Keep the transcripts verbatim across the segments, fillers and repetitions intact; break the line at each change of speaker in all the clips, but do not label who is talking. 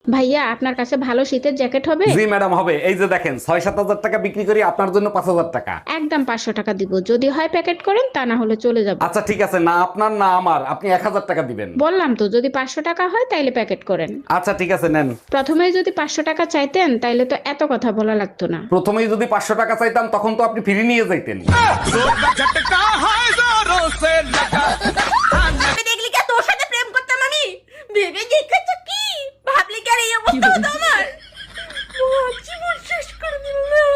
ভাইয়া আপনার কাছে ভালো শীতের জ্যাকেট হবে?
জি ম্যাডাম হবে। এই যে দেখেন ছয় সাত হাজার টাকা বিক্রি করি, আপনার জন্য পাঁচ হাজার টাকা।
একদম পাঁচশো টাকা দিব, যদি হয় প্যাকেট করেন, তা না হলে চলে যাব।
আচ্ছা ঠিক আছে, না আপনার না আমার, আপনি এক হাজার টাকা দিবেন।
বললাম তো যদি পাঁচশো টাকা হয় তাইলে প্যাকেট করেন।
আচ্ছা ঠিক আছে নেন।
প্রথমে যদি পাঁচশো টাকা চাইতেন তাইলে তো এত কথা বলা লাগতো না।
প্রথমেই যদি পাঁচশো টাকা চাইতাম তখন তো আপনি ফিরে নিয়ে যাইতেন।
দেখলি কি তোর সাথে প্রেম করতাম আমি? ভেবে দেখেছো কি? ভাবলি কি আর এই অবস্থা হতো আমার? জীবন শেষ করে দিল।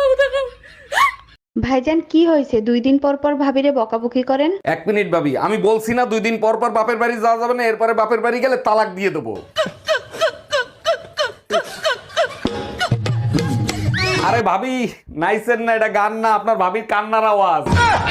ভাইজান কি হয়েছে? দুই দিন পর পর ভাবিরে বকাবকি করেন।
এক মিনিট ভাবি, আমি বলছি না দুই দিন পর পর বাপের বাড়ি যাওয়া যাবে না, এরপরে বাপের বাড়ি গেলে তালাক দিয়ে দেবো। আরে ভাবি নাইসেন না, এটা গান না, আপনার ভাবির কান্নার আওয়াজ।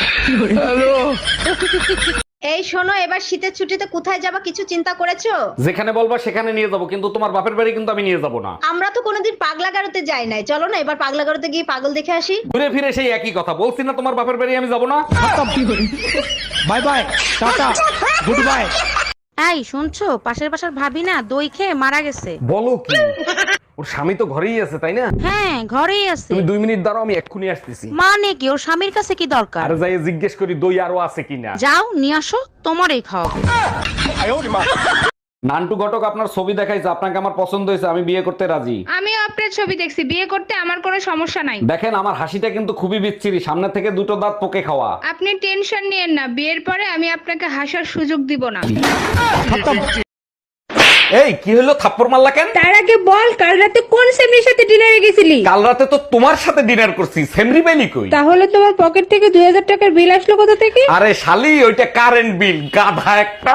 এই শোনো, এবার শীতের ছুটিতে কোথায় যাবা কিছু চিন্তা করেছো?
যেখানে বলবা সেখানে নিয়ে যাবো, কিন্তু তোমার বাপের বাড়ি কিন্তু আমি নিয়ে যাবো না।
আমরা তো কোনোদিন পাগলা গারোতে যাই নাই, চলো না এবার পাগলা গারোতে গিয়ে পাগল দেখে আসি।
ঘুরে ফিরে সেই একই কথা বলছি না, তোমার বাপের বাড়ি আমি যাবো না।
Bye bye, tata, goodbye.
এই শুনছো, পাশের বাসার ভাবি না দই খেয়ে মারা গেছে।
বলো কি? ওর স্বামী তো ঘরেই আছে তাই না?
হ্যাঁ ঘরেই আছে।
তুমি দুই মিনিট দাঁড়াও, আমি এক্ষুনি আসতেছি।
মানে কি, ওর স্বামীর কাছে কি দরকার?
আরে যাই জিজ্ঞেস করি দই আরো আছে কিনা।
যাও নিয়ে আসো, তোমারই খাওয়াবো।
নান্টু ঘটক আপনার ছবি দেখাইছে, আপনাকে আমার পছন্দ হয়েছে, আমি বিয়ে করতে রাজি।
আমিও আপনার ছবি দেখছি, বিয়ে করতে আমার কোনো সমস্যা নাই।
দেখেন আমার হাসিটা কিন্তু খুবই বিচ্ছিরি, সামনে থেকে দুটো দাঁত পোকে খাওয়া।
আপনি টেনশন নিয়েন না, বিয়ের পরে আমি আপনাকে হাসার সুযোগ দিব না।
এই কি হলো, থাপ্পড় মারলা কেন?
তার আগে বল, কাল রাতে কোন সেমরির সাথে ডিনারে গেছিলি?
কাল রাতে তো তোমার সাথে ডিনার করছি, সেমরি বেলি কই?
তাহলে তোমার পকেট থেকে দুই হাজার টাকার বিল আসলো কোথা থেকে?
আরে শালি ওইটা কারেন্ট বিল, গাধা একটা।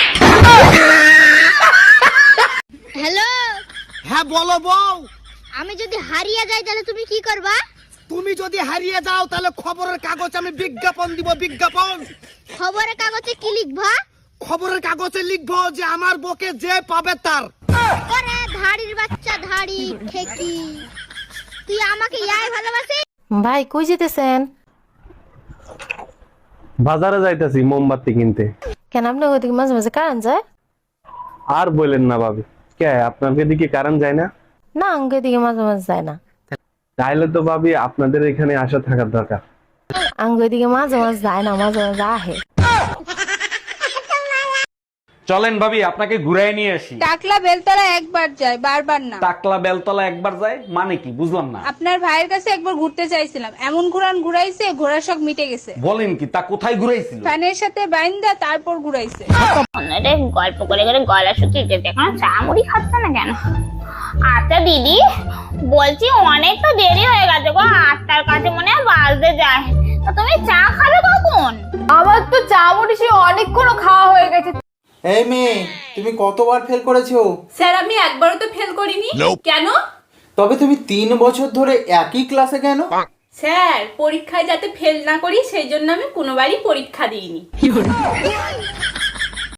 হ্যালো,
হ্যাঁ বলো বউ।
আমি যদি হারিয়ে যাই তাহলে তুমি কি করবা?
তুমি যদি হারিয়ে যাও তাহলে খবরের কাগজ আমি বিজ্ঞাপন দিব, বিজ্ঞাপন।
খবরের কাগজে কি লিখবা?
খবরের কাগজে লিখবো যে আমার বকে যে পাবে তার।
ওরে ধাড়ির বাচ্চা, ধাড়ি ঠেকি, তুই আমাকে ইয়াই ভালোবাসিস?
ভাই কই যেতেছেন?
বাজারে যাইতাছি মোমবাতি কিনতে।
কেন আপনার ওদিকে মাঝে মাঝে কারেন্ট যায়?
আর বলেন না ভাবি, কে আপনাদের দিকে কারেন্ট যায় না?
না আঙ্গুর দিকে মাঝে মাঝে যায় না।
তাইলে তো ভাবি আপনাদের এখানে আসা থাকার দরকার।
আঙ্গুর দিকে মাঝে মাঝে যায় না, মাঝে মাঝে আহে।
চলেন ভাবি আপনাকে ঘুরাই নিয়ে আসি।
টাকলা বেলতলা একবার যায়, বারবার না।
টাকলা বেলতলা একবার যায় মানে কি, বুঝলাম না।
আপনার ভাইয়ের কাছে একবার ঘুরতে চাইছিলাম, এমন ঘুরান ঘুরাইছে ঘোড়ার শখ মিটে গেছে।
বলেন কি, তা কোথায় ঘুরাইছিল?
ফ্যানের সাথে বাইন্দা তারপর ঘুরাইছে।
অন্যদের গল্প করে করে গলা শুকিয়ে যেতে, এখন চা মুড়ি খাচ্ছে না কেন? আচ্ছা দিদি বলছি, অনেক তো দেরি হয়ে গেছে গো, আটটার কাছে মনে হয় বাজতে যায়, তা তুমি চা খাবে কখন?
আমার তো চা মুড়ি সে অনেকক্ষণ খাওয়া হয়ে গেছে।
এই মেয়ে, তুমি কতবার ফেল করেছো?
স্যার আমি একবারও তো ফেল করিনি। কেন?
তবে তুমি তিন বছর ধরে একই ক্লাসে কেন?
স্যার পরীক্ষায় যাতে ফেল না করি সেই জন্য আমি কোনোবারই পরীক্ষা দিইনি।